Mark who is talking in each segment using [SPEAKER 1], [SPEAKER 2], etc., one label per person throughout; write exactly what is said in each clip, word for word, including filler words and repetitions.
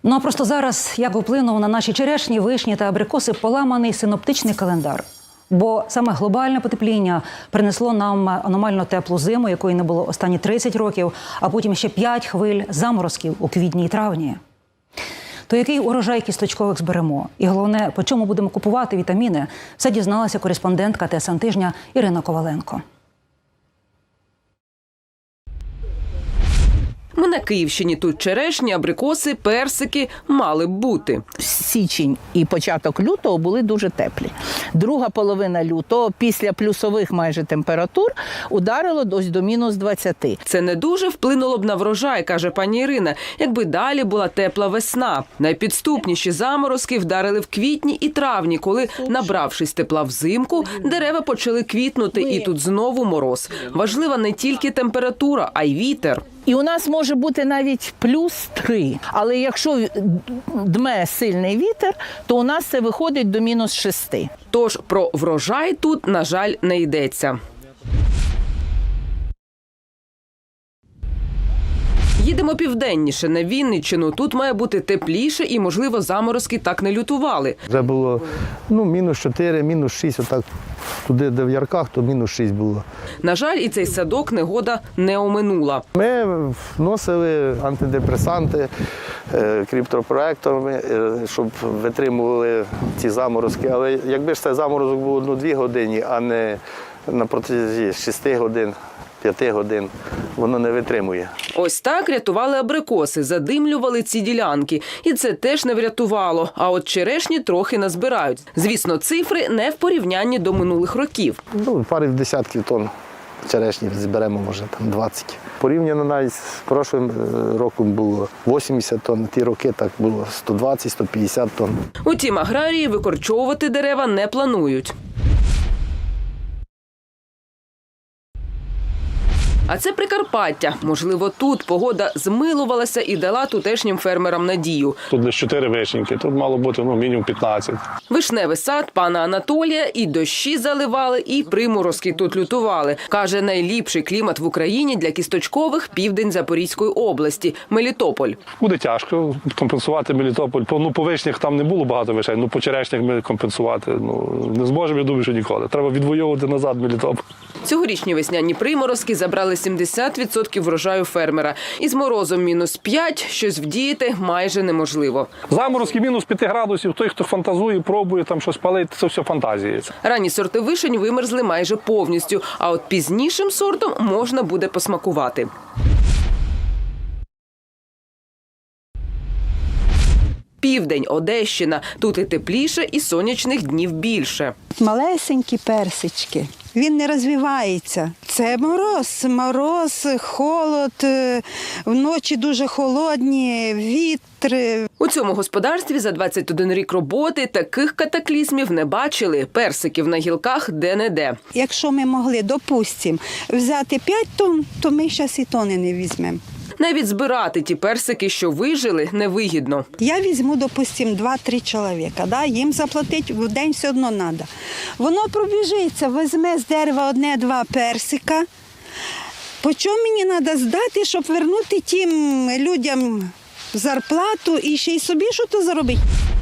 [SPEAKER 1] Ну а просто зараз як вплинув на наші черешні, вишні та абрикоси поламаний синоптичний календар. Бо саме глобальне потепління принесло нам аномально теплу зиму, якої не було останні тридцять років, а потім ще п'ять хвиль заморозків у квітні і травні. То який урожай кісточкових зберемо? І головне, по чому будемо купувати вітаміни? Все дізналася кореспондентка ТСН Тижня Ірина Коваленко.
[SPEAKER 2] Ми на Київщині. Тут черешні, абрикоси, персики мали б бути.
[SPEAKER 3] Січень і початок лютого були дуже теплі. Друга половина лютого, після плюсових майже температур, ударило ось до мінус двадцяти.
[SPEAKER 2] Це не дуже вплинуло б на врожай, каже пані Ірина, якби далі була тепла весна. Найпідступніші заморозки вдарили в квітні і травні, коли, набравшись тепла взимку, дерева почали квітнути, і тут знову мороз. Важлива не тільки температура, а й вітер.
[SPEAKER 3] І у нас може бути навіть плюс три. Але якщо дме сильний вітер, то у нас це виходить до мінус шести.
[SPEAKER 2] Тож про врожай тут, на жаль, не йдеться. Їдемо південніше, на Вінниччину. Тут має бути тепліше і, можливо, заморозки так не лютували.
[SPEAKER 4] Вже було ну, мінус чотири, мінус шість, отак туди, де в Ярках, то мінус шість було.
[SPEAKER 2] На жаль, і цей садок негода не оминула.
[SPEAKER 4] Ми вносили антидепресанти, криптопроекторами, щоб витримували ці заморозки. Але якби ж цей заморозок був одну-дві години, а не на протязі шести годин, п'яти годин, воно не витримує.
[SPEAKER 2] Ось так рятували абрикоси, задимлювали ці ділянки. І це теж не врятувало. А от черешні трохи назбирають. Звісно, цифри не в порівнянні до минулих років.
[SPEAKER 4] Ну, пари в десятків тонн черешні зберемо, може, там двадцять. Порівняно навіть з прошлим роком було вісімдесят тонн, ті роки так було сто двадцять - сто п'ятдесят тонн.
[SPEAKER 2] Утім, аграрії викорчовувати дерева не планують. А це Прикарпаття. Можливо, тут погода змилувалася і дала тутешнім фермерам надію.
[SPEAKER 5] Тут лише чотири вишеньки, тут мало бути ну, мінімум п'ятнадцять.
[SPEAKER 2] Вишневий сад пана Анатолія і дощі заливали, і приморозки тут лютували. Каже, найліпший клімат в Україні для кісточкових – південь Запорізької області – Мелітополь.
[SPEAKER 5] Буде тяжко компенсувати Мелітополь. По, ну, по вишнях там не було багато вишень, ну по черешнях ми компенсувати ну, не зможемо, я думаю, що ніколи. Треба відвоювати назад Мелітополь.
[SPEAKER 2] Цьогорічні весняні приморозки забрали сімдесят відсотків врожаю фермера. Із морозом мінус п'ять щось вдіяти майже неможливо.
[SPEAKER 5] Заморозки мінус п'ять градусів, той, хто фантазує, пробує там щось палити, це все фантазії.
[SPEAKER 2] Ранні сорти вишень вимерзли майже повністю, а от пізнішим сортом можна буде посмакувати. Південь, Одещина. Тут і тепліше, і сонячних днів більше.
[SPEAKER 6] Малесенькі персички. Він не розвивається. Це мороз, мороз, холод, вночі дуже холодні, вітри.
[SPEAKER 2] У цьому господарстві за двадцять один рік роботи таких катаклізмів не бачили. Персиків на гілках де-не-де.
[SPEAKER 6] Якщо ми могли, допустимо, взяти п'ять тонн, то ми зараз і тони не візьмемо.
[SPEAKER 2] Навіть збирати ті персики, що вижили, невигідно.
[SPEAKER 6] Я візьму, допустимо, два-три чоловіка, да? Їм заплатити в день все одно треба. Воно пробіжиться, візьме з дерева одне-два персика. По чому мені треба здати, щоб вернути тим людям зарплату і ще й собі щось заробити?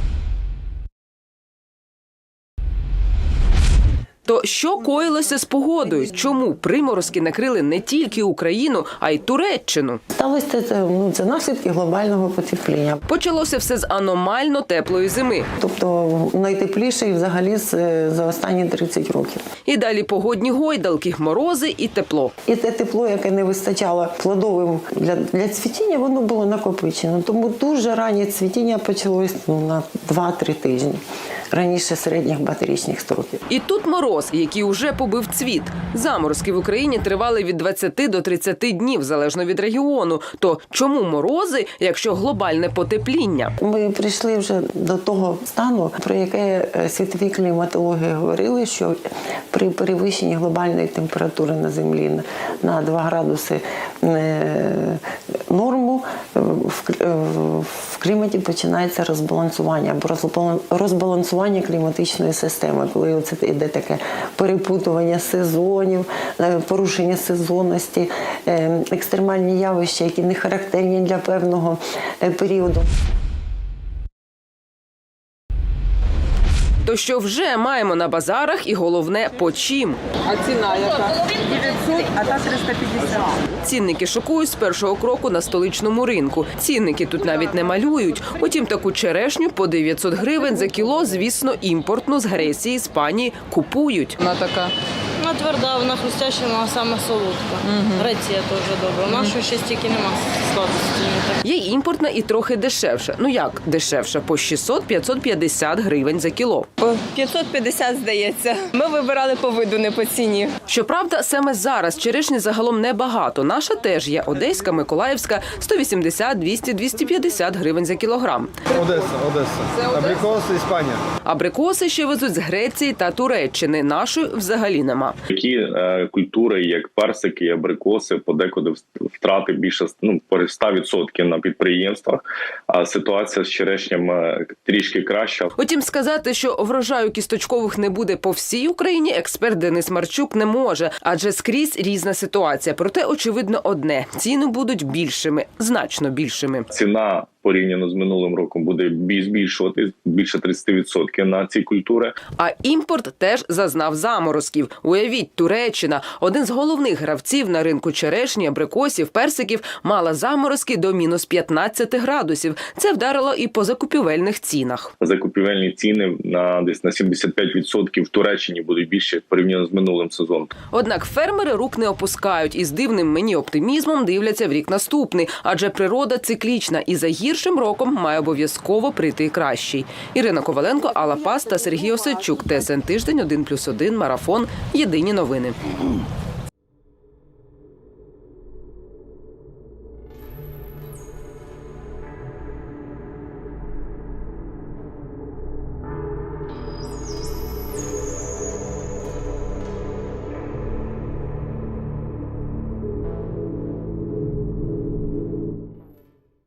[SPEAKER 2] То що коїлося з погодою? Чому приморозки накрили не тільки Україну, а й Туреччину?
[SPEAKER 7] Сталося це, ну, це наслідки глобального потепління.
[SPEAKER 2] Почалося все з аномально теплої зими.
[SPEAKER 7] Тобто найтепліший взагалі за останні тридцять років.
[SPEAKER 2] І далі погодні гойдалки, морози і тепло.
[SPEAKER 7] І те тепло, яке не вистачало плодовим для, для цвітіння, воно було накопичено. Тому дуже раннє цвітіння почалось ну, на два-три тижні. Раніше середніх батарічних строків.
[SPEAKER 2] І тут мороз, який уже побив цвіт. Заморозки в Україні тривали від двадцяти до тридцяти днів, залежно від регіону. То чому морози, якщо глобальне потепління?
[SPEAKER 7] Ми прийшли вже до того стану, про яке світові кліматологи говорили, що при перевищенні глобальної температури на землі на два градуси норму в кліматі починається розбалансування або розбалансування кліматичної системи, коли це йде таке перепутування сезонів, порушення сезонності, екстремальні явища, які не характерні для певного періоду.
[SPEAKER 2] То що вже маємо на базарах і головне по чим.
[SPEAKER 8] А ціна яка? дев'ятсот, а та триста п'ятдесят.
[SPEAKER 2] Цінники шокують з першого кроку на столичному ринку. Цінники тут навіть не малюють. Утім, таку черешню по дев'ятсот гривень за кіло, звісно, імпортну з Греції, Іспанії купують.
[SPEAKER 8] Вона така.
[SPEAKER 9] Вона тверда, вона хрустяща, вона саме солодка. Греція теж добра. У нас ще стільки нема сладості.
[SPEAKER 2] Є імпортна і трохи дешевша. Ну як дешевша? По шістсот - п'ятсот п'ятдесят гривень за кіло.
[SPEAKER 10] п'ятсот п'ятдесят, здається. Ми вибирали по виду, не по ціні.
[SPEAKER 2] Щоправда, саме зараз черешні загалом небагато. Наша теж є одеська, миколаївська – сто вісімдесят, двісті, двісті п'ятдесят гривень за кілограм.
[SPEAKER 11] Одеса, Одеса. Абрикоси, Іспанія.
[SPEAKER 2] Абрикоси ще везуть з Греції та Туреччини. Нашої взагалі нема.
[SPEAKER 12] Такі е, культури, як персики і абрикоси, подекуди втрати більше ну, по сто відсотків на підприємствах, а ситуація з черешням е, трішки краща.
[SPEAKER 2] Утім, сказати, що врожаю кісточкових не буде по всій Україні, експерт Денис Марчук не може, адже скрізь різна ситуація. Проте, очевидно, одне – ціни будуть більшими, значно більшими.
[SPEAKER 12] Ціна порівняно з минулим роком буде збільшувати більше тридцять відсотків на ці культури.
[SPEAKER 2] А імпорт теж зазнав заморозків. Уявіть, Туреччина, один з головних гравців на ринку черешні, абрикосів, персиків, мала заморозки до мінус п'ятнадцять градусів. Це вдарило і по закупівельних цінах.
[SPEAKER 12] Закупівельні ціни на десь на сімдесят п'ять відсотків в Туреччині будуть більше порівняно з минулим сезоном.
[SPEAKER 2] Однак фермери рук не опускають і з дивним мені оптимізмом дивляться в рік наступний, адже природа циклічна і за гіршим роком має обов'язково прийти кращий. Ірина Коваленко, Алла Пас та Сергій Осадчук. ТСН Тиждень, один плюс один, Марафон. Єдині новини.